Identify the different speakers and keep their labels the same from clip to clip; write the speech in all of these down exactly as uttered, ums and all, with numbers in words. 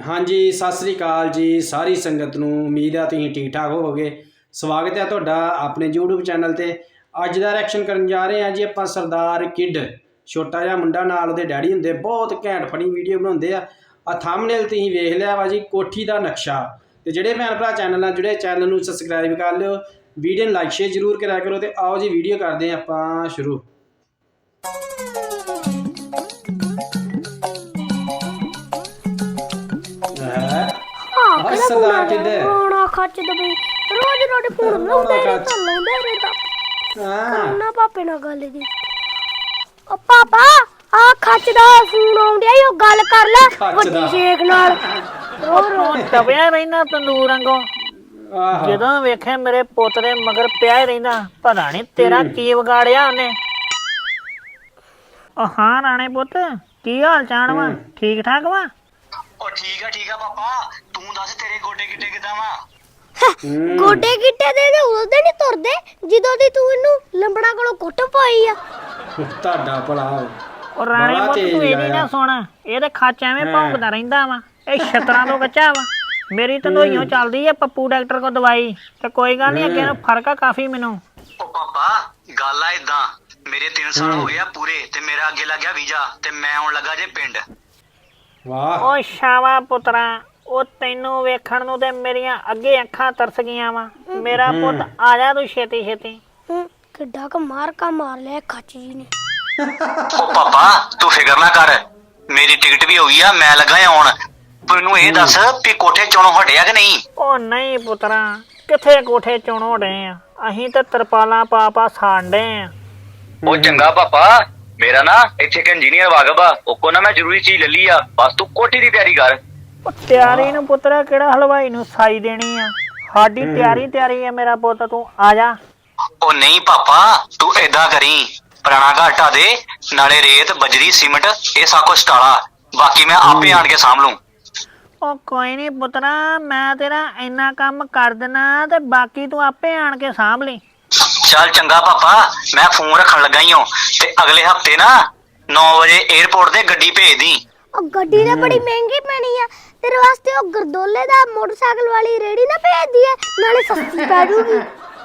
Speaker 1: हाँ जी सत श्री अकाल जी सारी संगत नूं उम्मीद है तुसीं ठीक ठाक होवोगे। स्वागत है तुहाडा अपने यूट्यूब चैनल ते। अज दा रिएक्शन करन जा रहे हैं जी आपां सरदार किड, छोटा जिहा मुंडा नाल उहदे डैडी हुंदे, बहुत घैंट फनी वीडियो बनाउंदे आ। आ थंबनेल तुसीं वेख लिया वा जी, कोठी दा नक्शा। ते जिहड़े भैन भरा चैनल नाल जुड़े चैनल नूं सबसक्राइब कर लिओ, वीडियो नूं लाइक शेयर जरूर करा करो। ते आओ जी वीडियो करदे आं आपां शुरू। सरदार किड
Speaker 2: रोना खच दबे रोज रोज फोन लाਉਂਦੇ ਰਹਿੰਦਾ ਲਾਉਂਦੇ ਰਹਿੰਦਾ ਕਰਨਾ ਪਾਪੇ ਨਾਲ ਗੱਲ ਦੀ। ਓ ਪਾਪਾ ਆ ਖੱਚ ਦਾ ਫੋਨ ਆਉਂਦਿਆ ਈ, ਉਹ ਗੱਲ ਕਰ ਲੈ ਵੱਡੀ ਸ਼ੇਖ ਨਾਲ। ਰੋ ਰੋ
Speaker 3: ਤਪਿਆ ਰਹਿਣਾ ਤੰਦੂਰ ਵਾਂਗੋਂ। ਜਦੋਂ ਵੇਖੇ ਮੇਰੇ ਪੁੱਤ ਦੇ ਮਗਰ ਪਿਆ ਹੀ ਰਹਿੰਦਾ, ਪਤਾ ਨਹੀਂ ਤੇਰਾ ਕੀ ਵਿਗਾੜਿਆ ਉਹਨੇ। ਉਹ ਹਾਂ ਰਾਣੇ ਪੁੱਤ, ਕੀ ਹਾਲ ਚਾਲ ਵਾ? ਠੀਕ ਠਾਕ ਵਾ?
Speaker 4: ਉਹ ਠੀਕ ਆ ਠੀਕ ਆ ਪਾਪਾ, ਤੂੰ ਦੱਸ ਤੇਰੇ ਗੋਡੇ ਗਿੱਟੇ ਕਿਦਾਂ ਵਾ?
Speaker 2: ਗੋਡੇ ਗਿੱਟੇ ਦੇ ਦੇ ਉਦੋਂ ਨਹੀਂ ਤੁਰਦੇ ਜਦੋਂ ਦੀ ਤੂੰ ਇਹਨੂੰ ਲੰਬੜਾ ਕੋਲੋਂ ਕੁੱਟ ਪਾਈ ਆ।
Speaker 1: ਤੁਹਾਡਾ ਭਲਾ
Speaker 3: ਉਹ ਰਾਣੇ ਪੁੱਤ ਤੂੰ ਇਹਦੀ ਨਾ ਸੁਣ, ਇਹਦੇ ਖੱਚ ਐਵੇਂ ਭੌਂਕਦਾ ਰਹਿੰਦਾ ਵਾ। ਇਹ ਛਤਰਾਂ ਤੋਂ ਕੱਚਾ ਵਾ। ਮੇਰੀ ਤੰਦੋਈਓ ਚੱਲਦੀ ਆ ਪੱਪੂ ਡਾਕਟਰ ਕੋਲ ਦਵਾਈ, ਤੇ ਕੋਈ ਗੱਲ ਨਹੀਂ, ਅੱਗੇ ਨੂੰ ਫਰਕ ਆ ਕਾਫੀ ਮੈਨੂੰ।
Speaker 4: ਉਹ ਪਾਪਾ ਗੱਲ ਆ ਇਦਾਂ, ਮੇਰੇ ਤਿੰਨ ਸਾਲ ਹੋ ਗਏ ਆ ਪੂਰੇ, ਤੇ ਮੇਰਾ ਅੱਗੇ ਲੱਗ ਗਿਆ ਵੀਜ਼ਾ, ਤੇ ਮੈਂ ਆਉਣ ਲੱਗਾ ਜੇ ਪਿੰਡ।
Speaker 1: ਵਾਹ
Speaker 3: ਉਹ ਸ਼ਾਵਾ ਪੁੱਤਰਾ, ਉਹ ਤੈਨੂੰ ਵੇਖਣ ਨੂੰ ਤੇ ਮੇਰੀਆਂ ਅੱਗੇ ਅੱਖਾਂ ਤਰਸ ਗਈਆਂ ਵਾ। ਮੇਰਾ ਪੁੱਤ ਆ ਜਾ ਤੂੰ ਛੇਤੀ ਛੇਤੀ।
Speaker 2: ਕਿੱਡਾ ਕ ਮਾਰ ਕਾ ਮਾਰ ਲਿਆ ਖੱਚ ਜੀ ਨੇ।
Speaker 4: ਉਹ ਪਾਪਾ ਤੂੰ ਫਿਕਰ ਨਾ ਕਰ, ਮੇਰੀ ਟਿਕਟ ਵੀ ਹੋ ਗਈ ਆ, ਮੈਂ ਲੱਗਾ ਆ ਆਉਣ। ਤੈਨੂੰ ਇਹ ਦੱਸ ਵੀ ਕੋਠੇ ਚੋਣੋਂ ਹਟਿਆ ਕਿ ਨਹੀਂ?
Speaker 3: ਉਹ ਨਹੀਂ ਪੁੱਤਰਾ, ਕਿੱਥੇ ਕੋਠੇ ਚੋਣੋਂ ਡੇ ਆ, ਅਸੀਂ ਤੇ ਤਰਪਾਲਾਂ ਪਾ ਪਾ ਸਾਂਡੇ ਆ।
Speaker 4: ਉਹ ਚੰਗਾ ਪਾਪਾ, ਮੇਰਾ ਨਾ ਇੱਥੇ ਇੱਕ ਇੰਜੀਨੀਅਰ ਵਾਗਬ ਆ, ਉਹ ਕੋ ਨਾ ਮੈਂ ਜ਼ਰੂਰੀ ਚੀਜ਼ ਲੈ ਲਈ ਆ, ਬਸ ਤੂੰ ਕੋਠੀ ਦੀ ਤਿਆਰੀ ਕਰ।
Speaker 3: ਉਹ ਤਿਆਰੀ ਨੂੰ ਪੁੱਤਰਾ ਕਿਹੜਾ ਹਲਵਾਈ ਨੂੰ ਸਾਈ ਦੇਣੀ ਆ, ਸਾਡੀ ਤਿਆਰੀ ਤਿਆਰੀ ਆ ਮੇਰਾ ਪੁੱਤ, ਤੂੰ ਆ ਜਾ।
Speaker 4: ਉਹ ਨਹੀਂ ਪਾਪਾ, ਤੂੰ ਏਦਾਂ ਕਰੀ, ਪੁਰਾਣਾ ਘਾਟਾ ਦੇ ਨਾਲੇ ਰੇਤ ਬਜਰੀ ਸੀਮਟ ਇਹ ਸਭ ਕੁਛ ਟਾਲਾ, ਬਾਕੀ ਮੈਂ ਆਪੇ ਆਣ ਕੇ ਸਾਂਭ ਲੂੰ।
Speaker 3: ਉਹ ਕੋਈ ਨਹੀਂ ਪੁੱਤਰਾ, ਮੈਂ ਤੇਰਾ ਇੰਨਾ ਕੰਮ ਕਰ ਦੇਣਾ, ਤੇ ਬਾਕੀ ਤੂੰ ਆਪੇ ਆਣ ਕੇ ਸਾਂਭ ਲਈ।
Speaker 4: ਚੱਲ ਚੰਗਾ ਪਾਪਾ, ਮੈਂ ਫੋਨ ਰੱਖਣ ਲੱਗਾ ਈ ਹਾਂ, ਤੇ ਅਗਲੇ ਹਫਤੇ ਨਾ ਨੌ ਵਜੇ 에어ਪੋਰਟ ਤੇ ਗੱਡੀ ਭੇਜ ਦੀ।
Speaker 2: ਉਹ ਗੱਡੀ ਤਾਂ ਬੜੀ ਮਹਿੰਗੀ ਪੈਣੀ ਆ ਤੇਰੇ ਵਾਸਤੇ। ਉਹ ਗਰਦੋਲੇ ਦਾ ਮੋਟਰਸਾਈਕਲ ਵਾਲੀ ਰੇੜੀ ਨਾ ਭੇਜ ਦੀਏ, ਨਾਲੇ ਸਸਤੀ ਪੈ ਜੂਗੀ।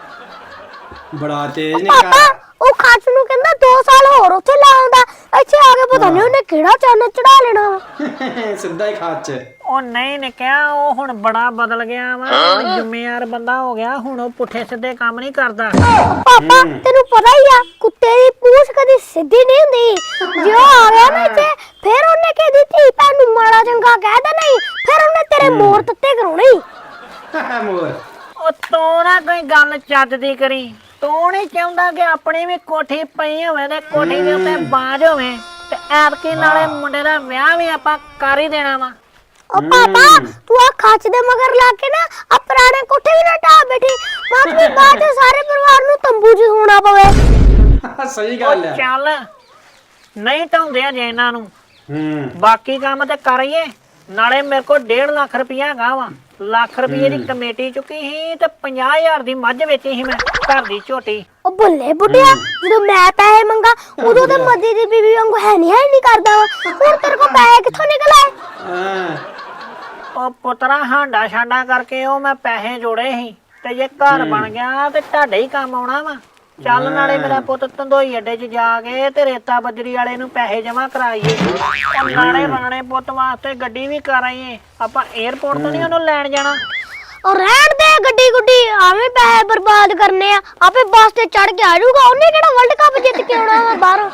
Speaker 1: ਬੜਾ ਤੇਜ਼ ਨੇ
Speaker 2: ਪਾਪਾ ਉਹ ਖੱਚ ਨੂੰ ਕਹਿੰਦਾ ਦੋ ਸਾਲ ਹੋਰ ਉੱਥੇ ਲਾਉਂਦਾ, ਇੱਥੇ ਆ ਕੇ ਪਤਾ ਨਹੀਂ ਉਹਨੇ ਕਿਹੜਾ ਚੰਨ ਚੜਾ ਲੈਣਾ।
Speaker 1: ਸਿੱਧਾ ਹੀ ਖਾਚ।
Speaker 3: ਉਹ ਨਹੀਂ ਨੇ ਕਿਹਾ, ਉਹ ਹੁਣ ਬੜਾ ਬਦਲ ਗਿਆ ਵਾ, ਜ਼ਿੰਮੇਵਾਰ ਬੰਦਾ ਹੋ ਗਿਆ, ਹੁਣ ਉਹ ਪੁੱਠੇ ਸਿੱਧੇ ਕੰਮ ਨਹੀਂ ਕਰਦਾ।
Speaker 2: ਪਾਪਾ ਤੈਨੂੰ ਪਤਾ ਹੀ ਆ, ਕੁੱਤੇ ਦੀ ਪੂਛ ਕਦੀ ਸਿੱਧੀ ਨਹੀਂ ਹੁੰਦੀ। ਜੇ ਉਹ ਆ ਗਿਆ ਨਾ ਇੱਥੇ, ਫਿਰ ਉਹਨੇ ਕਿਹਦੀ ਧੀ ਭੈਣ ਨੂੰ ਮਾੜਾ ਚੰਗਾ ਕਹਿ ਦੇਣਾ ਹੀ, ਫਿਰ ਉਹਨੇ ਤੇਰੇ ਮੋਰ ਤੱਤੇ ਕਰਾਉਣੇ ਹੀ।
Speaker 1: ਮੋਰ
Speaker 3: ਉਹ ਤੂੰ ਨਾ ਕੋਈ ਗੱਲ ਚੱਜ ਦੀ ਕਰੀ, ਤੂੰ ਨਹੀਂ ਚਾਹੁੰਦਾ ਕਿ ਆਪਣੀ ਵੀ ਕੋਠੀ ਪਈ ਹੋਵੇ ਤੇ ਕੋਠੀ ਦੇ ਉੱਤੇ ਬਾਜ ਹੋਵੇ, ਤੇ ਐਤਕੀ ਨਾਲੇ ਮੁੰਡੇ ਦਾ ਵਿਆਹ ਵੀ ਆਪਾਂ ਕਰ ਹੀ ਦੇਣਾ ਵਾ।
Speaker 2: ਉਹ ਪਾਪਾ ਤੂੰ ਆ ਖੱਚ ਦੇ ਮਗਰ ਲਾ ਕੇ ਨਾ ਆ ਪੁਰਾਣੇ ਕੋਠੇ ਵੀ ਨਾ ਢਾਹ ਬੈਠੀ, ਬਾਕੀ ਬਾਅਦ ਚ ਸਾਰੇ ਪਰਿਵਾਰ ਨੂੰ ਤੰਬੂ 'ਚ ਸੌਣਾ ਪਵੇ।
Speaker 1: ਸਹੀ ਗੱਲ ਹੈ।
Speaker 3: ਚੱਲ ਨਹੀਂ ਢਾਉਂਦੇ ਆ ਜੇ ਇਹਨਾਂ ਨੂੰ,
Speaker 1: ਹੂੰ
Speaker 3: ਬਾਕੀ ਕੰਮ ਤੇ ਕਰੀਏ। ਨਾਲੇ ਮੇਰੇ ਕੋਲ ਡੇਢ ਲੱਖ ਰੁਪਇਆ ਹੈਗਾ ਵਾ, ਲੱਖ ਰੁਪਏ ਦੀ ਕਮੇਟੀ ਚੁੱਕੀ ਸੀ, ਤੇ ਪੰਜਾਹ ਹਜ਼ਾਰ ਦੀ ਮੱਝ ਵੇਚੀ ਸੀ ਮੈਂ ਘਰ ਦੀ ਝੋਟੀ।
Speaker 2: ਉਹ ਬੱਲੇ ਬੁੱਢਿਆ, ਜਦੋਂ ਮੈਂ ਪੈਸੇ ਮੰਗਾ ਉਦੋਂ ਤੇ ਮੱਦੀ ਦੀ ਬੀਬੀ ਵਾਂਗੂ ਹੈ ਨਹੀਂ ਹੈ ਨਹੀਂ ਕਰਦਾ ਵਾ, ਹੁਣ ਤੇਰੇ ਕੋਲ ਪੈਸੇ ਕਿੱਥੋਂ ਨਿਕਲ ਆਏ?
Speaker 1: ਹਾਂ
Speaker 3: ਉਹ ਪੁੱਤਰਾ ਹਾਂਡਾ ਛਾਂਡਾ ਕਰਕੇ ਉਹ ਮੈਂ ਪੈਸੇ ਜੋੜੇ ਸੀ, ਤੇ ਜੇ ਘਰ ਬਣ ਗਿਆ ਤੇ ਤੁਹਾਡੇ ਹੀ ਕੰਮ ਆਉਣਾ ਵਾ। ਚੱਲ ਨਾਲੇ ਮੇਰਾ ਪੁੱਤ ਧੰਦੋਈ ਅੱਡੇ 'ਚ ਜਾ ਕੇ ਤੇ ਰੇਤਾ ਬੱਜਰੀ ਵਾਲੇ ਨੂੰ ਪੈਸੇ ਜਮਾ ਕਰਾਈਏ, ਨਾਲੇ ਰਾਣੇ ਪੁੱਤ ਵਾਸਤੇ ਗੱਡੀ ਵੀ ਕਰਾਈਏ। ਆਪਾਂ 에어ਪੋਰਟ ਤੋਂ ਨਹੀਂ ਉਹਨੂੰ ਲੈਣ ਜਾਣਾ।
Speaker 2: ਉਹ ਰਹਿਣ ਦੇ ਗੱਡੀ ਗੁੱਡੀ, ਆਵੇਂ ਪੈਸੇ ਬਰਬਾਦ ਕਰਨੇ ਆ, ਆਪੇ ਬੱਸ ਤੇ ਚੜ ਕੇ ਆ ਜਾਊਗਾ। ਉਹਨੇ ਕਿਹੜਾ ਵਰਲਡ ਕੱਪ ਜਿੱਤ ਕੇ ਆਉਣਾ ਵਾ ਬਾਹਰੋਂ।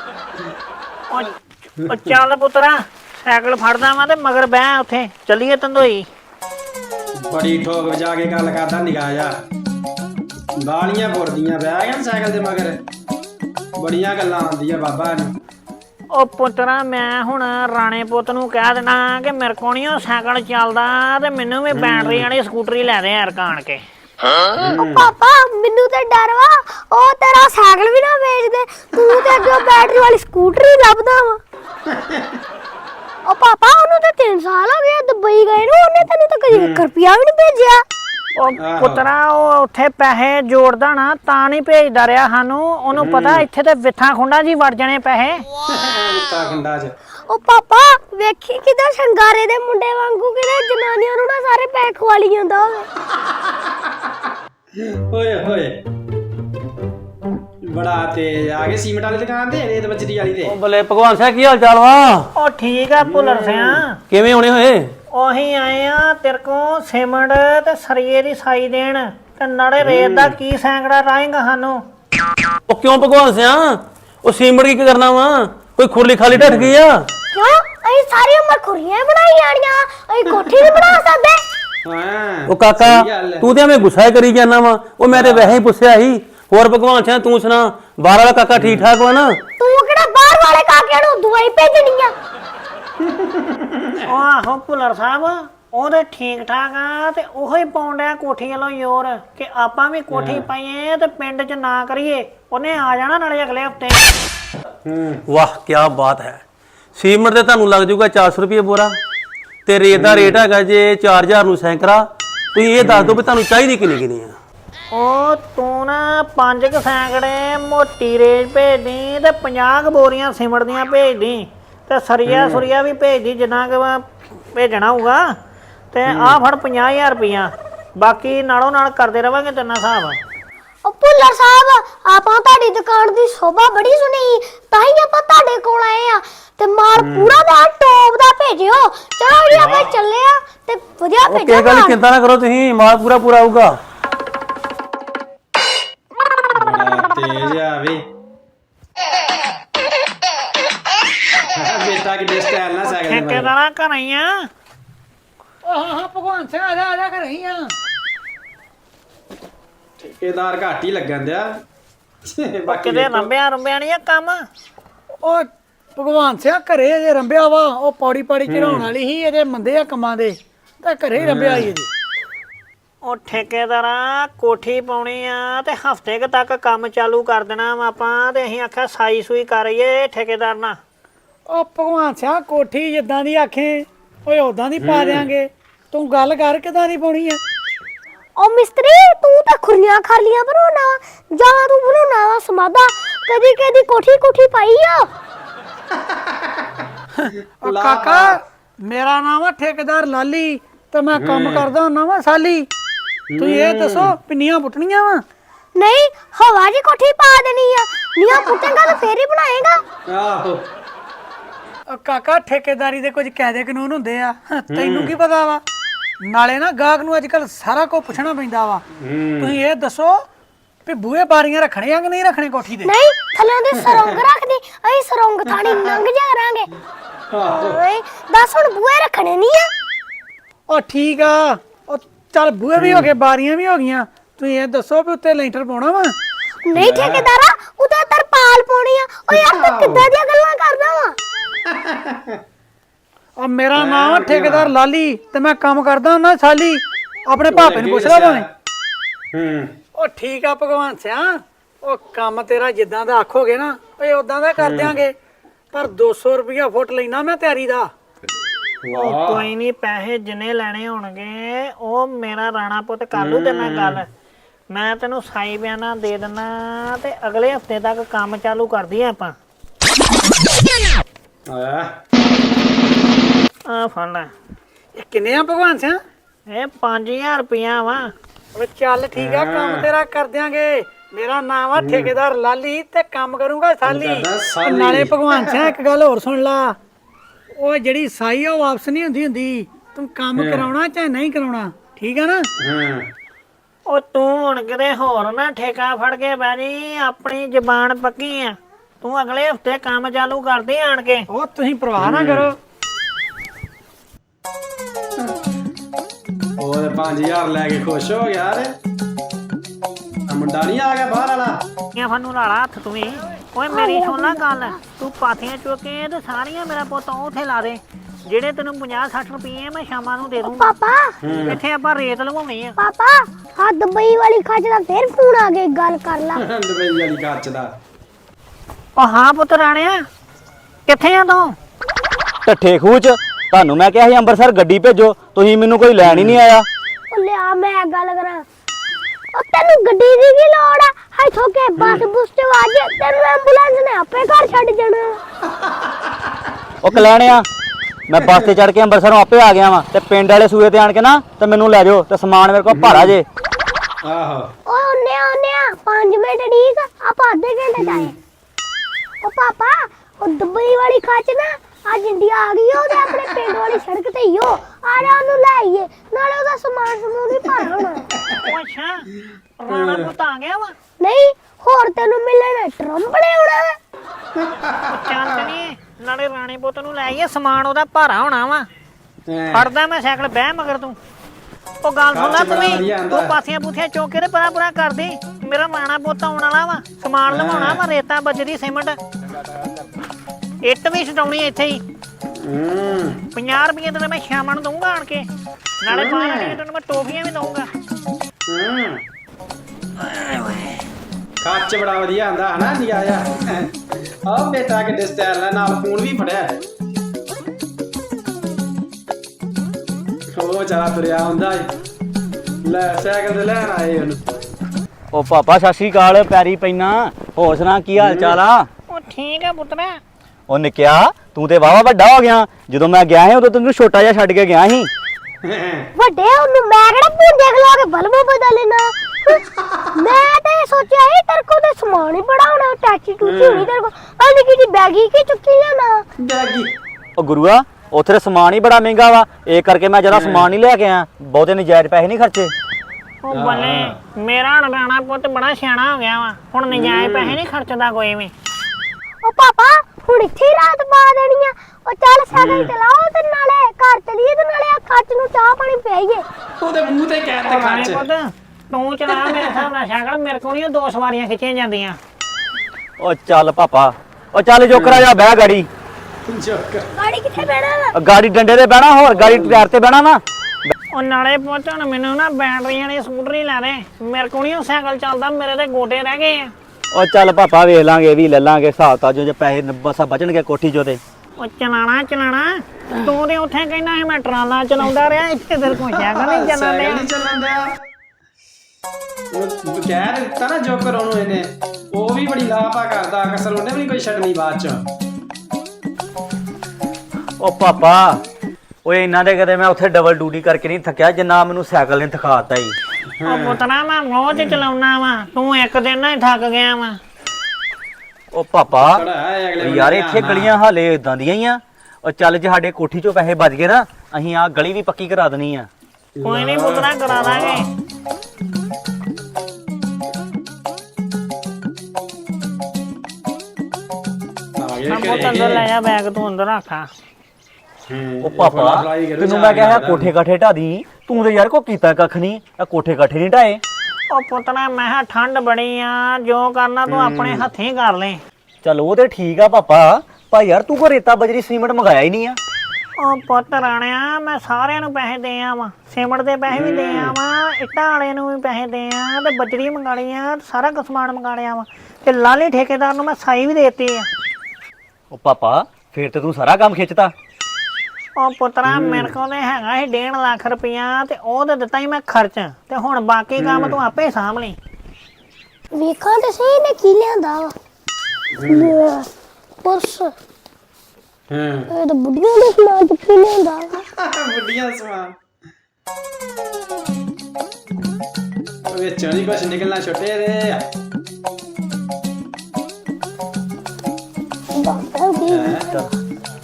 Speaker 3: ਉਹ ਚੱਲ ਪੁੱਤਰਾ, ਸਾਈਕਲ ਫੜਦਾ ਵਾ ਤੇ ਮਗਰ ਬਹਿ, ਉੱਥੇ ਚੱਲੀਏ ਧੰਦੋਈ।
Speaker 1: ਬੜੀ ਠੋਕ ਵਜਾ ਕੇ ਗੱਲ ਕਰਦਾ ਨਿਗਾਹ ਜਾ, ਗਾਲੀਆਂ ਬੁਰਦੀਆਂ ਬਹਿ ਗਿਆ ਸਾਈਕਲ ਦੇ ਮਗਰ, ਬੜੀਆਂ ਗੱਲਾਂ ਆਉਂਦੀਆਂ ਬਾਬਾ ਨੂੰ।
Speaker 3: ਉਹ ਪੁੱਤਰਾ ਮੈਂ ਹੁਣ ਰਾਣੇ ਪੁੱਤ ਨੂੰ ਕਹਿ ਦੇਣਾ ਕਿ ਮੇਰੇ ਕੋਲ ਨਹੀਂ ਉਹ ਸਾਈਕਲ ਚੱਲਦਾ, ਤੇ ਮੈਨੂੰ ਵੀ ਬੈਟਰੀ ਵਾਲੀ ਸਕੂਟਰੀ ਲੈ ਦੇ ਯਾਰ ਕਾਣ ਕੇ।
Speaker 2: ਉਹ ਪਾਪਾ ਮੈਨੂੰ ਤੇ ਡਰ ਵਾ, ਉਹ ਤੇਰਾ ਸਾਈਕਲ ਵੀ ਨਾ ਵੇਚ ਦੇ, ਤੂੰ ਤੇ ਅੱਗੇ ਬੈਟਰੀ ਵਾਲੀ ਸਕੂਟਰੀ ਲੱਭਦਾ ਵਾ। ਉਹ ਪਾਪਾ ਉਹਨੂੰ ਤਾਂ ਤਿੰਨ ਸਾਲ ਹੋ ਗਏ ਦੁਬਈ ਗਏ ਨੂੰ, ਉਹਨੇ ਤੈਨੂੰ ਤਾਂ ਕਦੀ ਇੱਕ ਰੁਪਿਆ ਵੀ ਨਹੀਂ ਭੇਜਿਆ।
Speaker 3: ਉਹ
Speaker 1: ਆਹੋ।
Speaker 3: ਪੁੱਤਰਾ ਉਹ ਉੱਥੇ ਪੈਸੇ ਜੋੜਦਾ ਨਾ ਤਾਂ ਨਹੀਂ ਭੇਜਦਾ ਰਿਹਾ ਸਾਨੂੰ ਉਹਨੂੰ ਪਤਾ ਇੱਥੇ ਤੇ ਵਿਥਾਂ ਖੁੰਡਾ ਜੀ ਵੜ ਜਾਣੇ ਪੈਸੇ
Speaker 1: ਮੁੱਤਾ ਖੰਡਾ ਚ
Speaker 2: ਉਹ ਪਾਪਾ ਵੇਖੀ ਕਿਦਾਂ ਸ਼ੰਗਾਰੇ ਦੇ ਮੁੰਡੇ ਵਾਂਗੂ ਕਿਤੇ ਜਨਾਨੀਆਂ ਨੂੰ ਨਾ ਸਾਰੇ ਪੈਸੇ ਖਵਾਲੀ ਜਾਂਦਾ ਹੋਵੇ।
Speaker 1: ਓਏ ਹੋਏ ਬੜਾ ਤੇਜ਼ ਆ ਗਏ ਸੀਮਟ ਵਾਲੀ ਦੁਕਾਨ ਤੇ ਰੇਤ ਬਜਰੀ ਵਾਲੀ ਤੇ
Speaker 5: ਬੱਲੇ ਭਗਵਾਨ ਸਿੰਘ ਕੀ ਹਾਲ ਚਾਲ ਵਾ
Speaker 3: ਉਹ ਠੀਕ ਆ ਭੁੱਲਰ ਸਿਆ
Speaker 5: ਕਿਵੇਂ ਹੋਣੇ ਹੋਏ
Speaker 3: ਉਹੀ ਆਏ ਆ ਤੇਰੇ ਕੋ ਸਿਮਟ ਤੇ ਸਰੀਏ ਦੀ ਸਾਈ ਦੇਣ ਤੇ ਨਾਲੇ ਰੇਤ ਦਾ ਕੀ ਸੈਂਕੜਾ ਰਾਏਗਾ ਸਾਨੂੰ।
Speaker 5: ਉਹ ਕਿਉਂ ਭਗਵਾਨ ਸਿੰਘ ਉਹ ਸੀਮਟ ਕੀ ਕਰਨਾ ਵਾ ਕੋਈ ਖੁਰਲੀ ਖਾਲੀ ਢੱਠ ਗਈ ਆ
Speaker 2: ਕਿਉਂ ਅਸੀਂ ਸਾਰੀ ਉਮਰ ਖੁਰੀਆਂ ਬਣਾਈ ਜਾਣੀਆਂ ਅਸੀਂ ਕੋਠੀ ਨਹੀਂ ਬਣਾ ਸਕਦੇ।
Speaker 1: ਹਾਂ
Speaker 5: ਉਹ ਕਾਕਾ
Speaker 1: ਸਹੀ ਗੱਲ ਹੈ।
Speaker 5: ਤੂੰ ਤੇ ਐਵੇਂ ਗੁੱਸਾ ਕਰੀ ਜਾਂਦਾ ਵਾ ਉਹ ਮੈਂ ਤੇ ਵੈਸੇ ਹੀ ਪੁੱਛਿਆ ਸੀ ਹੋਰ ਭਗਵਾਨ ਸਿੰਘ ਤੂੰ ਸੁਣਾ ਬਾਹਰ ਵਾਲਾ ਕਾਕਾ ਠੀਕ ਠਾਕ ਵਾ ਨਾ
Speaker 2: ਤੂੰ ਕਿਹੜਾ ਬਾਹਰ ਵਾਲੇ ਕਾਕਿਆਂ ਨੂੰ ਦਵਾਈ ਭੇਜਣੀ ਆ।
Speaker 3: ਉਹ ਆਹੋ ਭੁੱਲਰ ਸਾਹਿਬ ਉਹਦੇ ਠੀਕ ਠਾਕ ਆ ਤੇ ਉਹੀ ਪਾਉਣ ਡਿਆ ਕੋਠੀ ਵੱਲੋਂ ਜ਼ੋਰ ਕਿ ਆਪਾਂ ਵੀ ਕੋਠੀ ਪਾਈਏ ਤੇ ਪਿੰਡ 'ਚ ਨਾ ਕਰੀਏ ਉਹਨੇ ਆ ਜਾਣਾ ਨਾਲੇ ਅਗਲੇ ਹਫਤੇ।
Speaker 1: ਹੂੰ
Speaker 5: ਵਾਹ ਕੀ ਬਾਤ ਹੈ ਸੀਮਟ ਤੇ ਤੁਹਾਨੂੰ ਲੱਗ ਜਾਊਗਾ ਚਾਰ ਸੌ ਰੁਪਏ ਬੋਰਾ ਤੇ ਰੇਤ ਦਾ ਰੇਟ ਹੈਗਾ ਜੇ ਚਾਰ ਹਜ਼ਾਰ ਨੂੰ ਸੈਂਕੜਾ ਤੁਸੀਂ ਇਹ ਦੱਸ ਦਿਓ ਵੀ ਤੁਹਾਨੂੰ ਚਾਹੀਦੀ ਕਿੰਨੀ ਕਿੰਨੀ ਆ
Speaker 3: ਉਹ ਤੂੰ ਨਾ ਪੰਜ ਕੁ ਸੈਂਕੜੇ ਮੋਟੀ ਰੇਜ ਭੇਜਦੀ ਤੇ ਪੰਜਾਹ ਕੁ ਬੋਰੀਆਂ ਸਿਮਟ ਦੀਆਂ ਭੇਜਦੀ ਤੇ ਸਰੀਆ ਸੁਰੀਆ ਵੀ ਭੇਜਦੀ ਜਿੰਨਾ ਕਿ ਭੇਜਣਾ ਹੋਊਗਾ ਤੇ ਆਹ ਫੜ ਪੰਜਾਹ ਹਜ਼ਾਰ ਰੁਪਈਆ ਬਾਕੀ ਨਾਲੋਂ ਨਾਲ ਕਰਦੇ ਰਵਾਂਗੇ ਤੇਨਾ ਹਿਸਾਬ।
Speaker 2: ਉਹ ਭੁੱਲਰ ਸਾਹਿਬ ਆਪਾਂ ਤੁਹਾਡੀ ਦੁਕਾਨ ਦੀ ਸ਼ੋਭਾ ਬੜੀ ਸੁਣੀ ਤਾਂ ਹੀ ਆਪਾਂ ਤੁਹਾਡੇ ਕੋਲ ਆਏ ਆ ਤੇ ਮਾਲ ਪੂਰਾ ਦਾ ਟੋਪ ਦਾ ਭੇਜਿਓ। ਚਲੋ ਜੀ ਆਪਾਂ ਚੱਲੇ ਆ ਤੇ ਵਧੀਆ
Speaker 5: ਉਹ
Speaker 2: ਭੇਜੋ
Speaker 5: ਕਿਸੇ ਗੱਲ ਦੀ
Speaker 2: ਮਾਲ।
Speaker 5: ਚਿੰਤਾ ਨਾ ਕਰੋ ਤੁਸੀਂ ਮਾਲ ਪੂਰਾ ਪੂਰਾ ਆਊਗਾ
Speaker 1: ਬੜਾ ਤੇਜ਼ ਆ ਵੇ ਬੇਟਾ ਕਿੱਡੇ ਸਟਾਈਲ ਨਾਲ ਸਾਈਕਲ ਤੇ ਮਾਰੇ।
Speaker 3: ਠੇਕੇਦਾਰਾਂ ਘਰ ਹੀ ਆ। ਉਹ ਹਾਂ ਹਾਂ ਭਗਵਾਨ ਸਿੰਘ ਆ ਜਾ ਆ ਜਾ ਘਰ ਹੀ ਆ।
Speaker 1: ਠੇਕੇਦਾਰ ਘੱਟ ਹੀ ਲੱਗਣ ਦਿਆ ਬਾਕੀ
Speaker 3: ਕਿਤੇ ਰੰਬਿਆ ਰੰਬਿਆ ਨਹੀਂ ਆ ਕੰਮ।
Speaker 6: ਉਹ ਭਗਵਾਨ ਸਿਆ ਘਰੇ ਅਜੇ ਰੰਬਿਆ ਵਾ ਉਹ ਪੌੜੀ ਪੌੜੀ ਚੜਾਉਣ ਵਾਲੀ ਸੀ ਇਹਦੇ ਮੰਦੇ ਆ ਕੰਮਾਂ ਦੇ ਤਾਂ ਘਰੇ ਹੀ ਰੰਬਿਆ ਸੀ ਇਹਦੇ।
Speaker 3: ਉਹ ਠੇਕੇਦਾਰਾਂ ਕੋਠੀ ਪਾਉਣੀ ਆ ਤੇ ਹਫਤੇ ਕ ਤੱਕ ਕੰਮ ਚਾਲੂ ਕਰ ਦੇਣਾ ਵਾ ਆਪਾਂ ਤੇ ਅਸੀਂ ਆਖਿਆ ਸਾਈ ਸੂਈ ਕਰੀਏ ਠੇਕੇਦਾਰ ਨਾਲ।
Speaker 6: ਉਹ ਭਗਵਾਨ ਸਿਆ ਕੋਠੀ ਜਿੱਦਾਂ ਦੀ ਆਖੇ ਓਏ ਉਦਾਂ ਦੀ ਪਾ ਦਿਆਂਗੇ ਤੂੰ ਗੱਲ ਕਰ ਕਿਦਾਂ ਦੀ ਪਾਉਣੀ ਆ।
Speaker 2: ਉਹ ਮਿਸਤਰੀ ਤੂੰ ਤਾਂ ਖੁਰੀਆਂ ਖਾਲੀਆਂ ਬਣਾਉਣਾ ਜਾਂ ਤੂੰ ਬਣਾਉਣਾ ਵਾ ਸਮਾਦਾ ਕਦੀ ਕਦੀ ਕੋਠੀ ਕੋਠੀ ਪਾਈ ਆ।
Speaker 6: ਉਹ ਕਾਕਾ ਮੇਰਾ ਨਾਮ ਆ ਠੇਕੇਦਾਰ ਲਾਲੀ ਤੇ ਮੈਂ ਕੰਮ ਕਰਦਾ ਹੁੰਦਾ ਵਾ ਸਾਲੀ ਤੂੰ ਇਹ ਦੱਸੋ ਪਿੰਨੀਆਂ ਪੁੱਟਣੀਆਂ ਵਾ।
Speaker 2: ਨਹੀਂ ਹਵਾ ਦੀ ਕੋਠੀ ਪਾ ਦੇਣੀ ਆ ਨੀਆਂ ਪੁੱਟੇਗਾ ਤਾਂ ਫੇਰ ਹੀ ਬਣਾਏਗਾ।
Speaker 1: ਆਹੋ
Speaker 6: ਉਹ ਕਾਕਾ ਠੇਕੇਦਾਰੀ ਦੇ ਕੁਝ ਕਾਇਦੇ ਕਾਨੂੰਨ ਹੁੰਦੇ ਆ ਤੈਨੂੰ ਕੀ ਪਤਾ ਵਾ ਨਾਲੇ ਨਾ ਗਾਹਕ ਨੂੰ ਅੱਜ ਕੱਲ ਸਾਰਾ ਕੁਝ ਪੁੱਛਣਾ ਪੈਂਦਾ ਵਾ। ਤੁਸੀਂ ਇਹ ਦੱਸੋ ਵੀ ਬੂਹੇ ਬਾਰੀਆਂ ਰੱਖਣੇ ਆ ਕਿ ਨਹੀਂ ਰੱਖਣੇ ਕੋਠੀ ਦੇ।
Speaker 2: ਨਹੀਂ ਥੱਲੇ ਦੇ ਸਰੰਗ ਰੱਖਦੀ ਅਸੀਂ ਸਰੰਗ ਥਾਣੀ ਲੰਘ ਜਾ ਕਰਾਂਗੇ। ਓਏ ਦੱਸ ਹੁਣ ਬੂਹੇ ਰੱਖਣੇ ਨਹੀਂ ਆ।
Speaker 6: ਉਹ ਠੀਕ ਆ ਉਹ ਚੱਲ ਬੂਹੇ ਵੀ ਹੋ ਗਏ ਬਾਰੀਆਂ ਵੀ ਹੋ ਗਈਆਂ ਤੁਸੀਂ ਇਹ ਦੱਸੋ ਵੀ ਉੱਤੇ ਲੈਂਟਰ ਪਾਉਣਾ ਵਾ।
Speaker 2: ਨਹੀਂ ਠੇਕੇਦਾਰਾ ਉਤੇ ਤਰਪਾਲ ਪਾਉਣੀ ਆ। ਓ ਯਾਰ ਤੂੰ ਕਿੱਦਾਂ ਦੀਆਂ ਗੱਲਾਂ ਕਰਦਾ ਵਾ।
Speaker 6: ਉਹ ਮੇਰਾ ਨਾਮ ਆ ਠੇਕੇਦਾਰ ਲਾਲੀ ਤੇ ਮੈਂ ਕੰਮ ਕਰਦਾ ਹੁੰਦਾ ਸਾਲੀ ਆਪਣੇ ਭਾਪੇ ਨੂੰ ਪੁੱਛ ਲੈ ਭਾਵੇਂ।
Speaker 1: ਹੂੰ
Speaker 6: ਉਹ ਠੀਕ ਆ ਭਗਵਾਨ ਸਿਆ ਉਹ ਕੰਮ ਤੇਰਾ ਜਿੱਦਾਂ ਦਾ ਆਖੋਗੇ ਨਾ ਓਏ ਉਦਾਂ ਦਾ ਕਰ ਦਿਆਂਗੇ ਪਰ ਦੋ ਸੌ ਰੁਪਇਆ ਫੁੱਟ ਲੈਣਾ ਮੈਂ ਤਿਆਰੀ ਦਾ।
Speaker 3: ਉਹ ਕੋਈ ਨਹੀਂ ਪੈਸੇ ਜਿੰਨੇ ਲੈਣੇ ਹੋਣਗੇ ਉਹ ਮੇਰਾ ਰਾਣਾ ਪੁੱਤ ਕਰ ਲੂ ਤੇ ਮੈਂ ਗੱਲ ਮੈਂ ਤੈਨੂੰ ਸਾਈ ਬਿਆਨਾ ਦੇ ਦਿੰਨਾ ਤੇ ਅਗਲੇ ਹਫਤੇ ਤੱਕ ਕੰਮ ਚਾਲੂ ਕਰਦੀ ਆ ਆਪਾਂ।
Speaker 1: ਆਇਆ
Speaker 3: ਆ ਫੜ ਲੈ
Speaker 6: ਇਹ ਕਿੰਨੇ ਆ ਭਗਵਾਨ ਸਿਆ।
Speaker 3: ਇਹ ਪੰਜ ਹਜ਼ਾਰ ਰੁਪਇਆ ਵਾ।
Speaker 6: ਓ ਚੱਲ ਠੀਕ ਆ ਕੰਮ ਤੇਰਾ ਕਰ ਦਿਆਂਗੇ ਮੇਰਾ ਨਾਮ ਆ ਠੇਕੇਦਾਰ ਲਾਲੀ ਤੇ ਕੰਮ ਕਰੂੰਗਾ ਸਾਲੀ।
Speaker 1: ਕਰਦਾ ਸਾਲੀ।
Speaker 6: ਉਹ ਨਾਲੇ ਭਗਵਾਨ ਸਿਆ ਇੱਕ ਗੱਲ ਹੋਰ ਸੁਣ ਲਾ ਉਹ ਜਿਹੜੀ ਸਾਈ ਆ ਉਹ ਵਾਪਸ ਨਹੀਂ ਹੁੰਦੀ ਹੁੰਦੀ ਤੂੰ ਕੰਮ ਕਰਾਉਣਾ ਚਾਹੇ ਨਹੀਂ ਕਰਾਉਣਾ ਠੀਕ ਆ ਨਾ।
Speaker 1: ਹਾਂ
Speaker 3: ਉਹ ਤੂੰ ਹੁਣ ਕਿਤੇ ਹੋਰ ਨਾ ਠੇਕਾ ਫੜ ਕੇ ਬਹਿ ਜੀ ਆਪਣੀ ਜ਼ਬਾਨ ਪੱਕੀ ਆ। ਤੂੰ ਅਗਲੇ ਹਫਤੇ ਕੰਮ ਚਾਲੂ ਕਰਦੀ ਆਣ ਕੇ।
Speaker 6: ਉਹ ਤੁਸੀਂ ਪਰਵਾਹ ਨਾ ਕਰੋ।
Speaker 1: ਉਹ ਪੰਜ ਹਜ਼ਾਰ ਲੈ ਕੇ ਖੁਸ਼ ਹੋ ਗਿਆ ਰੇ ਆ ਮੁੰਡਾ ਨਹੀਂ ਆ ਗਿਆ ਬਾਹਰ ਵਾਲਾ।
Speaker 3: ਇਹ ਫਾਨੂੰ ਲਾਲਾ ਹੱਥ ਤੂੰ ਵੀ ਓਏ ਮੇਰੀ ਸੁਣ ਲੈ ਗੱਲ ਤੂੰ ਪਾਥੀਆਂ ਚੁੱਕੇ ਤੇ ਸਾਰੀਆਂ ਮੇਰਾ ਪੁੱਤ ਉੱਥੇ ਲਾ ਦੇ ਜਿਹੜੇ ਤੈਨੂੰ ਪੰਜਾਹ ਸੱਠ ਰੁਪਏ ਮੈਂ ਸ਼ਾਮਾਂ ਨੂੰ ਦੇ ਦੂੰਗਾ।
Speaker 2: ਪਾਪਾ
Speaker 3: ਇੱਥੇ ਆਪਾਂ ਰੇਤ ਲਵਾਉਣੀ ਆ।
Speaker 2: ਪਾਪਾ ਆ ਦੁਬਈ ਵਾਲੀ ਖੱਜ ਦਾ ਫੇਰ ਫੋਨ ਆ ਗਿਆ ਗੱਲ ਕਰ ਲਾ।
Speaker 1: ਦੁਬਈ ਵਾਲੀ ਕੱਚ ਦਾ
Speaker 3: ਉਹ ਹਾਂ ਪੁੱਤ ਰਾਣਿਆ ਕਿੱਥੇ ਆ ਤੂੰ।
Speaker 7: ਢੱਠੇ ਖੂਚ ਤੁਹਾਨੂੰ ਮੈਂ ਕਿਹਾ ਸੀ ਅੰਮ੍ਰਿਤਸਰ ਗੱਡੀ ਭੇਜੋ ਤੁਸੀਂ ਮੈਨੂੰ ਕੋਈ ਲੈਣ ਹੀ ਨਹੀਂ ਆਇਆ।
Speaker 2: ਉਹ ਲੈ ਆ ਮੈਂ ਗੱਲ ਕਰਾਂ ਉਹ ਤੈਨੂੰ ਗੱਡੀ ਦੀ ਕੀ ਲੋੜ ਆ ਇੱਥੋਂ ਕੇ ਬੱਸ ਬੁਸ ਚ ਵਾਜ ਤੈਨੂੰ ਐਂਬੂਲੈਂਸ ਨੇ ਆਪੇ ਘਰ ਛੱਡ ਜਾਣਾ
Speaker 7: ਉਹ ਕਲਿਆਣਿਆ ਮੈਂ ਬੱਸ ਤੇ ਚੜ ਕੇ ਅੰਮ੍ਰਿਤਸਰੋਂ ਆਪੇ ਆ ਗਿਆ ਵਾਂ ਤੇ ਪਿੰਡ ਵਾਲੇ ਸੂਏ ਤੇ ਆਣ ਕੇ ਨਾ ਤੇ ਮੈਨੂੰ ਲੈ ਜਾਓ ਤੇ ਸਮਾਨ ਮੇਰੇ ਕੋਲ ਭਾਰਾ ਜੇ
Speaker 1: ਆਹੋ
Speaker 2: ਓਏ ਉਹਨੇ ਉਹਨੇ ਪੰਜ ਮਿੰਟ ਠੀਕ ਆਪਾਂ ਅੱਧੇ ਘੰਟੇ ਜਾਏ ਉਹ ਪਾਪਾ ਉਹ ਦੁਬਈ ਵਾਲੀ ਖਾਚ ਨਾ ਅੱਜ ਇੰਡੀਆ ਆ ਗਈ ਉਹਦੇ ਆਪਣੇ ਪਿੰਡ ਵਾਲੀ ਸੜਕ ਤੇ ਹੀ ਉਹ ਆ ਜਾ ਉਹਨੂੰ ਲੈ ਆਈਏ ਨਾਲੇ ਉਹਦਾ ਸਮਾਨ ਸਮੂਨ ਵੀ ਭਾਰਾ ਹੋਣਾ
Speaker 3: ਉਹ ਅੱਛਾ ਰਾਣਾ ਪੁੱਤ ਆ ਗਿਆ ਵਾ
Speaker 2: ਨਹੀਂ ਹੋਰ ਤੈਨੂੰ ਮਿਲਣਾ ਟਰੰਪ ਨੇ ਆਉਣਾ
Speaker 3: ਚੱਲ ਚਲੀਏ ਨਾਲੇ ਰਾਣੇ ਪੁੱਤ ਨੂੰ ਲੈ ਆਈਏ ਸਮਾਨ ਉਹਦਾ ਭਾਰਾ ਹੋਣਾ ਵਾ
Speaker 1: ਹੈਂ।
Speaker 3: ਫੜਦਾ ਮੈਂ ਸਾਈਕਲ ਬਹਿ ਮਗਰ ਤੂੰ ਉਹ ਗੱਲ ਸੁਣ ਲੈ
Speaker 1: ਖਰਚ
Speaker 3: ਤੂੰ
Speaker 1: ਬੜਾ
Speaker 3: ਵੀ
Speaker 1: ਵਧੀਆ ਆਂਦਾ।
Speaker 3: ਤੂੰ ਪਾਥੀਆਂ ਪੂਥੀਆਂ ਚੁੱਕ ਕੇ ਤੇ ਪਰਾਂ ਪਰਾਂ ਕਰਦੀ ਮੇਰਾ ਰਾਣਾ ਪੁੱਤ ਆਉਣ ਵਾਲਾ ਵਾ ਸਮਾਨ ਲਵਾਉਣਾ ਵਾ ਰੇਤਾ ਬਜਰੀ ਸੀਮੈਂਟ ਇੱਟ ਵੀ ਛਡਾਉਣੀ ਇੱਥੇ ਹੀ
Speaker 1: ਹੂੰ
Speaker 3: ਪੰਜਾਹ ਰੁਪਏ ਤੇ ਮੈਂ ਸ਼ਾਮਾਂ ਨੂੰ ਦਊਂਗਾ ਆਣ ਕੇ ਨਾਲੇ ਪੰਜ ਰੁਪਏ ਤੈਨੂੰ ਮੈਂ ਟੋਫੀਆਂ ਵੀ ਦਊਂਗਾ
Speaker 1: ਹੂੰ ਕੱਚ ਬੜਾ ਵਧੀਆ ਆਂਦਾ ਹਨਾ ਜੀ ਆਇਆ ਆ ਬੇਟਾ ਕਿੱਡੇ ਸਟਾਈਲ ਨਾਲ ਨਾਲ ਫੋਨ ਵੀ ਫੜਿਆ ਹੈ। ਉਹ ਚਲਾ ਤੁਰਿਆ ਹੁੰਦਾ ਏ। ਲੈ ਸਾਈਕਲ ਤੇ ਲੈਣ ਆਏ ਉਹਨੂੰ
Speaker 7: ਉਹ ਪਾਪਾ ਸਤਿ ਸ਼੍ਰੀ ਅਕਾਲ ਪੈਰੀ ਪੈਣਾ ਹੋਰ ਸੁਣਾ ਕੀ ਹਾਲ ਚਾਲ ਆ
Speaker 3: ਉਹ ਠੀਕ ਆ ਪੁੱਤਰਾ
Speaker 7: ਉਹ ਨਿੱਕਿਆ ਤੂੰ ਤੇ ਵਾਵਾ ਵੱਡਾ ਹੋ ਗਿਆ ਜਦੋਂ ਮੈਂ ਗਿਆ ਸੀ ਉਦੋਂ ਤੈਨੂੰ ਛੋਟਾ ਜਿਹਾ ਛੱਡ ਕੇ ਗਿਆ ਸੀ
Speaker 2: ਵੱਡੇ ਉਹਨੂੰ ਮੈਂ ਕਿਹੜਾ ਪੁੰਜੇ ਖਲਾ ਕੇ ਬਲਬ ਬਦਲਣਾ ਮੈਂ ਤੇ ਸੋਚਿਆ ਇਹ ਤੇਰੇ ਕੋਲ ਤੇ ਸਮਾਨ ਹੀ ਬੜਾ ਹੋਣਾ ਟੈਚੀ ਟੂਚੀ ਹੋਣੀ ਤੇਰੇ ਕੋਲ ਆ ਨਿੱਕੀ ਜੀ ਬੈਗੀ ਕੀ ਚੁੱਕੀ ਲੈਣਾ
Speaker 1: ਬੈਗੀ
Speaker 7: ਉਹ ਗੁਰੂਆ ਉੱਥੇ ਤਾਂ ਸਮਾਨ ਹੀ ਬੜਾ ਮਹਿੰਗਾ ਵਾ ਇਹ ਕਰਕੇ ਮੈਂ ਜਰਾ ਸਮਾਨ ਹੀ ਲੈ ਕੇ ਆਇਆ ਬਹੁਤੇ ਨਜਾਇਜ਼ ਪੈਸੇ ਨਹੀਂ ਖਰਚੇ
Speaker 3: ਉਹ ਬੱਲੇ ਮੇਰਾ ਹੁਣ ਰਾਣਾ ਪੁੱਤ ਬੜਾ ਸਿਆਣਾ ਹੋ ਗਿਆ ਵਾ ਹੁਣ ਨਜਾਇਜ਼ ਪੈਸੇ ਨਹੀਂ ਖਰਚਦਾ ਕੋਈ ਵੀ
Speaker 2: ਉਹ ਪਾਪਾ ਹੁਣ ਇੱਥੇ ਹੀ ਰਾਤ ਪਾ ਦੇਣੀ ਆ ਉਹ ਚੱਲ ਸਾਈਕਲ ਚਲਾਓ ਤੇ ਨਾਲੇ ਘਰ ਚਲੀਏ ਤੇ ਨਾਲੇ ਆ ਕੱਚ ਨੂੰ ਚਾਹ ਪਾਣੀ ਪਿਆਈਏ
Speaker 1: ਉਹਦੇ ਮੂੰਹ ਤੇ ਕਹਿ ਤੇ
Speaker 3: ਰਾਣੇ
Speaker 1: ਕੱਚ
Speaker 3: ਪੁੱਤ ਤੂੰ ਚਲਾ ਮੇਰੇ ਹਿਸਾਬ ਨਾਲ ਸਾਈਕਲ ਮੇਰੇ ਕੋਲ ਨਹੀਂ ਦੋ ਸਵਾਰੀਆਂ ਖਿੱਚੀਆਂ ਜਾਂਦੀਆਂ
Speaker 7: ਉਹ ਚੱਲ ਪਾਪਾ ਉਹ ਚੱਲ ਜੋਕਰਾ ਜਾ ਬਹਿ ਗਾੜੀ
Speaker 1: ਜੋਕ
Speaker 2: ਗਾੜੀ ਕਿੱਥੇ ਬਹਿਣਾ ਵਾ
Speaker 7: ਉਹ ਗਾੜੀ ਡੰਡੇ ਤੇ ਬਹਿਣਾ ਹੋਰ ਗਾੜੀ ਟਾਇਰ ਤੇ ਬਹਿਣਾ ਵਾ
Speaker 3: ਉਹ ਨਾਲੇ ਪੁੱਤ ਹੁਣ ਮੈਨੂੰ ਨਾ ਬੈਟਰੀਆਂ ਵਾਲੀ ਸਕੂਟਰੀ ਲੈ ਦੇ ਮੇਰੇ ਕੋਲ ਨਹੀਂ ਸਾਈਕਲ ਚੱਲਦਾ ਮੇਰੇ ਤੇ ਗੋਡੇ ਰਹਿ ਗਏ ਆ
Speaker 7: ਉਹ ਚੱਲ ਪਾਪਾ ਵੇਖ ਲਾਂਗੇ ਇਹ ਵੀ ਲੈ ਲਾਂਗੇ ਹਿਸਾਬ ਤਾਂ ਜੋ ਜੇ ਪੈਸੇ ਬਸਾ ਬਚਣਗੇ ਕੋਠੀ ਚੋਂ ਤੇ
Speaker 3: ਉਹ ਚਲਾਣਾ ਚਲਾਣਾ ਤੂੰ ਤੇ ਉੱਥੇ ਕਹਿੰਦਾ ਸੀ ਮੈਂ ਟਰਾਲਾ ਚਲਾਉਂਦਾ ਰਿਹਾ ਇੱਥੇ ਤੇਰੇ ਕੋਲ ਸਾਈਕਲ ਨਹੀਂ ਚੱਲਣ
Speaker 1: ਸਾਈਕਲ
Speaker 3: ਡਿਆ
Speaker 1: ਨਹੀਂ ਚੱਲਣ ਦਿਆ ਉਹ ਕਹਿ ਦਿੱਤਾ ਨਾ ਜੋਕਰ ਉਹਨੂੰ ਇਹਨੇ ਉਹ ਵੀ ਬੜੀ ਲਾਪਾ ਕਰਦਾ ਕਸਰ ਉਹਨੇ ਵੀ ਨੀ ਕੋਈ ਛੱਡਣੀ ਬਾਅਦ ਚ
Speaker 7: ਉਹ ਪਾਪਾ ਓਏ ਇਹਨਾਂ ਦੇ ਕਦੇ ਮੈਂ ਉੱਥੇ ਡਬਲ ਡਿਊਟੀ ਕਰਕੇ ਨਹੀਂ ਥੱਕਿਆ ਜਿੰਨਾ ਮੈਨੂੰ ਸਾਈਕਲ ਨੇ ਥਕਾਤਾ ਈ
Speaker 3: ਉਹ ਪੁੱਤਰਾ ਮੈਂ ਰੋਜ਼ ਚਲਾਉਣਾ ਵਾ ਤੂੰ ਇੱਕ ਦਿਨ ਨਾਲ ਹੀ ਥੱਕ ਗਿਆ ਵਾ
Speaker 7: ਉਹ ਪਾਪਾ
Speaker 1: ਖੜਾ ਹੈ ਅਗਲੇ
Speaker 7: ਯਾਰ
Speaker 1: ਬੰਦੇ
Speaker 7: ਇੱਥੇ
Speaker 1: ਨਾਲ।
Speaker 7: ਗਲੀਆਂ ਹਾਲੇ ਇਦਾਂ ਦੀਆਂ ਹੀ ਆ ਉਹ ਚੱਲ ਜੇ ਸਾਡੇ ਕੋਠੀ ਚੋਂ ਪੈਸੇ ਬਚ ਗਏ ਨਾ ਅਸੀਂ ਆ ਗਲੀ ਵੀ ਪੱਕੀ ਕਰਾ ਦੇਣੀ ਆ
Speaker 3: ਕੋਈ ਨਹੀਂ ਪੁੱਤਰਾ ਕਰਾ ਦਾਂਗੇ
Speaker 1: ਆ ਗਏ
Speaker 3: ਆ ਪੁੱਤ ਅੰਦਰ ਲੈ ਜਾ ਬੈਗ ਤੂੰ ਅੰਦਰ ਰੱਖਾ
Speaker 7: ਉਹ ਪਾਪਾ ਤੈਨੂੰ ਮੈਂ ਕਿਹਾ ਕੋਠੇ ਕਾਠੇ ਢਾ ਦੀ ਤੂੰ ਤੇ ਯਾਰ ਕੋ ਕੀਤਾ ਕੱਖ ਨਹੀਂ ਆ ਕੋਠੇ ਕਾਠੇ ਨਹੀਂ ਢਾਏ
Speaker 3: ਉਹ ਪੁੱਤਰਾ ਮੈਂ ਕਿਹਾ ਠੰਡ ਬੜੀ ਆ ਜੋ ਕਰਨਾ ਤੂੰ ਆਪਣੇ ਹੱਥੀਂ ਕਰ ਲੈ
Speaker 7: ਚੱਲ ਉਹ ਤੇ ਠੀਕ ਆ ਪਾਪਾ ਪਰ ਯਾਰ ਤੂੰ ਕੋ ਰੇਤਾ ਬਜਰੀ ਸੀਮੈਂਟ ਮੰਗਾਇਆ ਹੀ ਨਹੀਂ ਆ
Speaker 3: ਉਹ ਪੁੱਤ ਰਾਣਿਆ ਮੈਂ ਸਾਰਿਆਂ ਨੂੰ ਪੈਸੇ ਦੇ ਆਵਾਂ ਸਿਮਟ ਦੇ ਪੈਸੇ ਵੀ ਦੇ ਆਵਾਂ ਇੱਟਾਂ ਵਾਲੇ ਨੂੰ ਵੀ ਪੈਸੇ ਦੇ ਆ ਤੇ ਬਜਰੀ ਮੰਗਾ ਲਈ ਆ ਸਾਰਾ ਕੁਝ ਸਮਾਨ ਮੰਗਾ ਲਿਆ ਵਾ ਤੇ ਲਾਲੀ ਠੇਕੇਦਾਰ ਨੂੰ ਮੈਂ ਸਾਈ ਵੀ ਦੇਤੀ ਆ
Speaker 7: ਉਹ ਪਾਪਾ ਫੇਰ ਤੇ ਤੂੰ ਸਾਰਾ ਕੰਮ ਖਿੱਚਤਾ
Speaker 3: ਉਹ ਪੁੱਤਰਾ ਮੇਰੇ ਕੋਲ ਤੇ ਹੈਗਾ ਸੀ ਡੇਢ ਲੱਖ ਰੁਪਇਆ ਤੇ ਉਹ ਤੇ ਦਿੱਤਾ ਹੀ ਮੈਂ ਖਰਚ ਤੇ ਹੁਣ ਬਾਕੀ ਕੰਮ ਤੂੰ ਆਪੇ ਸਾਂਭ ਲਈ
Speaker 2: ਵੇਖਾਂ ਤੇ ਸਹੀ ਨੇ ਕੀ ਲਿਆਂਦਾ ਵਾ ਲੈ, ਪਰਸ
Speaker 1: ਹਾਂ
Speaker 2: ਇਹ ਤਾਂ ਬੁੱਢੀਆਂ ਦੇ ਸਮਾਨ ਚ ਕੀ ਲਿਆਂਦਾ ਵਾ
Speaker 1: ਬੁੱਢੀਆਂ ਸਮਾਨ ਉਹ ਵਿੱਚੋਂ ਨਹੀਂ ਕੁਛ ਨਿਕਲਣਾ ਛੋਟੇ ਦੇ
Speaker 2: ਬਾਬਾ ਦੀ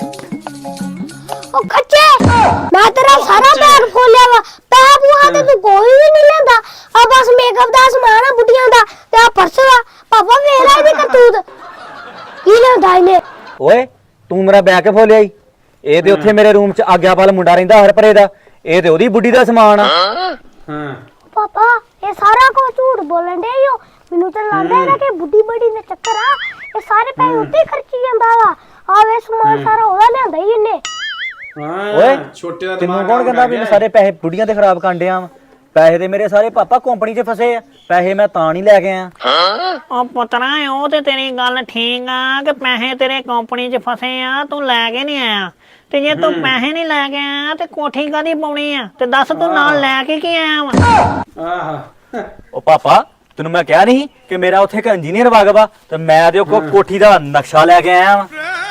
Speaker 2: ਉਹ ਕੱਚੇ ਮੈਂ ਤੇਰਾ ਸਾਰਾ ਬੈਗ ਖੋਲਿਆ ਵਾ ਪੈ ਬੂਹਾ ਤੇ ਤੂੰ ਕੋਈ ਵੀ ਨਹੀਂ ਲੈਂਦਾ ਆ ਬਸ ਮੇਕਅਪ ਦਾ ਸਮਾਨ ਆ ਬੁੱਢੀਆਂ ਦਾ ਤੇ ਆ ਪਰਸ ਵਾ ਪਾਪਾ ਵੇਖ ਲੈ ਇਹਦੀ ਕਰਤੂਤ ਕੀ ਲੈਂਦਾ ਇਹਨੇ
Speaker 7: ਓਏ ਤੂੰ ਮੇਰਾ ਬੈਗ ਕੇ ਫੋਲਿਆ ਈ ਇਹ ਤੇ ਉੱਥੇ ਮੇਰੇ ਰੂਮ 'ਚ ਆਗਿਆਪਾਲ ਮੁੰਡਾ ਰਹਿੰਦਾ ਹਰਪਰੇ ਦਾ ਇਹ ਤੇ ਉਹਦੀ ਬੁੱਢੀ ਦਾ ਸਮਾਨ ਆ
Speaker 1: ਹਾਂ
Speaker 2: ਪਾਪਾ ਇਹ ਸਾਰਾ ਕੁਝ ਝੂਠ ਬੋਲਣ ਦੇ ਓ ਮੈਨੂੰ ਤਾਂ ਲੱਗਦਾ ਇਹਦਾ ਕਿ ਬੁੱਢੀ ਬੜੀ ਦਾ ਚੱਕਰ ਆ ਇਹ ਸਾਰੇ ਪੈਸੇ ਉੱਤੇ ਹੀ ਖਰਚੀ ਜਾਂਦਾ ਵਾ ਆ ਵੇ ਸਮਾਨ ਸਾਰਾ ਉਹਦਾ ਲਿਆਂਦਾ ਹੀ ਇਹਨੇ
Speaker 1: ਹਾਂ
Speaker 7: ਓਏ
Speaker 1: ਛੋਟੇ ਦਾ
Speaker 7: ਤੈਨੂੰ
Speaker 1: ਦਿਮਾਗ
Speaker 7: ਕੌਣ ਕਹਿੰਦਾ ਵੀ ਮੈਂ ਸਾਰੇ ਪੈਸੇ ਬੁੱਢੀਆਂ ਤੇ ਖਰਾਬ ਕਾਂਡਿਆ ਵਾ ਪੈਸੇ ਤੇ ਮੇਰੇ ਸਾਰੇ ਪਾਪਾ ਕੰਪਨੀ 'ਚ ਫਸੇ ਆ ਪੈਸੇ ਮੈਂ ਤਾਂ ਨਹੀਂ ਲੈ ਕੇ ਆਇਆ
Speaker 3: ਉਹ ਪੁੱਤਰਾ ਉਹ ਤੇ ਤੇਰੀ ਗੱਲ ਠੀਕ ਆ ਕਿ ਪੈਸੇ ਤੇਰੇ ਕੰਪਨੀ 'ਚ ਫਸੇ ਆ ਤੂੰ ਲੈ ਕੇ ਨਹੀਂ ਆਇਆ ਤੇ ਜੇ ਤੂੰ ਪੈਸੇ ਨਹੀਂ ਲੈ ਕੇ ਆਇਆ ਤੇ ਕੋਠੀ ਕਾਦੀ ਪਾਉਣੀ ਆ ਤੇ ਦੱਸ ਤੂੰ ਨਾਲ ਲੈ ਕੇ ਕੀ ਆਇਆ ਵਾ
Speaker 1: ਆਹ
Speaker 7: ਉਹ ਪਾਪਾ ਤੈਨੂੰ ਮੈਂ ਕਿਹਾ ਨਹੀਂ ਕਿ ਮੇਰਾ ਉੱਥੇ ਇੱਕ ਇੰਜੀਨੀਅਰ ਵਗ ਵਾ ਤੇ ਮੈਂ ਉਹਦੇ ਕੋਲ ਕੋਠੀ ਦਾ ਨਕਸ਼ਾ ਲੈ ਕੇ ਆਇਆ ਵਾਂ।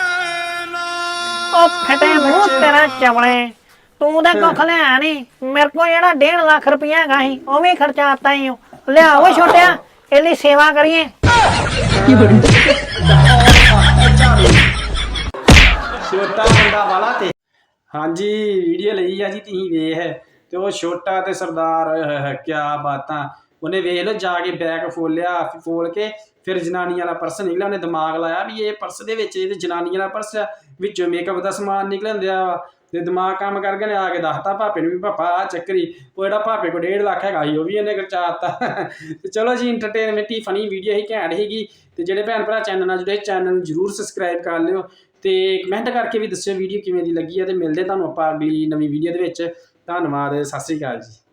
Speaker 3: ਉਹ ਫਟੇ ਮੂੰਹ ਤੇਰਾ ਚਵਲੇ, ਤੂੰ ਤਾਂ ਕੁੱਖ ਲਿਆ ਨਹੀਂ। ਮੇਰੇ ਕੋਲ ਜਿਹੜਾ ਡੇਢ ਲੱਖ ਰੁਪਇਆ ਹੈਗਾ ਸੀ ਉਹ ਵੀ ਖਰਚਾਤਾ ਹੀ ਲਿਆ। ਉਹ ਛੋਟਿਆ ਇਹਦੀ ਸੇਵਾ ਕਰੀਏ।
Speaker 1: ਛੋਟਾ ਮੁੰਡਾ ਵਾਲਾ ਤੇ ਹਾਂਜੀ ਵੀਡੀਓ ਲਈ ਆ ਜੀ ਤੁਸੀਂ ਵੇਖ ਤੇ ਉਹ ਛੋਟਾ ਤੇ ਸਰਦਾਰ ਕਿਆ ਬਾਤਾਂ। ਉਹਨੇ ਵੇਖ ਲਓ ਜਾ ਕੇ ਬੈਗ ਫੋਲਿਆ, ਫੋਲ ਕੇ ਫਿਰ ਜਨਾਨੀ ਵਾਲਾ ਪਰਸ ਨਿਕਲਿਆ। ਉਹਨੇ ਦਿਮਾਗ ਲਾਇਆ ਵੀ ਇਹ ਪਰਸ ਦੇ ਵਿੱਚ ਇਹ ਜਨਾਨੀ ਵਾਲਾ ਪਰਸ ਆ, ਵਿੱਚੋਂ ਮੇਕਅਪ ਦਾ ਸਮਾਨ ਨਿਕਲਣ ਦਿਆ ਵਾ ਤੇ ਦਿਮਾਗ ਕੰਮ ਕਰਕੇ ਨੇ ਆ ਕੇ ਦੱਸਤਾ ਭਾਪੇ ਨੂੰ ਵੀ ਭਾਪਾ ਆ ਚੱਕਰੀ। ਉਹ ਜਿਹੜਾ ਭਾਪੇ ਕੋਲ ਡੇਢ ਲੱਖ ਹੈਗਾ ਸੀ ਉਹ ਵੀ ਇਹਨੇ ਖਰਚਾਤਾ। ਤੇ ਚਲੋ ਜੀ ਇੰਟਰਟੇਨਮੈਂਟ ਹੀ ਫਨੀ ਵੀਡੀਓ ਹੀ ਘੈਂਟ ਸੀਗੀ। ਤੇ ਜਿਹੜੇ ਭੈਣ ਭਰਾ ਚੈਨਲ ਨਾਲ ਜੁੜੇ ਚੈਨਲ ਨੂੰ ਜ਼ਰੂਰ ਸਬਸਕ੍ਰਾਈਬ ਕਰ ਲਿਓ ਤੇ ਕਮੈਂਟ ਕਰਕੇ ਵੀ ਦੱਸਿਓ ਵੀਡੀਓ ਕਿਵੇਂ ਦੀ ਲੱਗੀ ਆ। ਤੇ ਮਿਲਦੇ ਤੁਹਾਨੂੰ ਆਪਾਂ ਅਗਲੀ ਨਵੀਂ ਵੀਡੀਓ ਦੇ ਵਿੱਚ। ਧੰਨਵਾਦ, ਸਤਿ ਸ਼੍ਰੀ ਅਕਾਲ ਜੀ।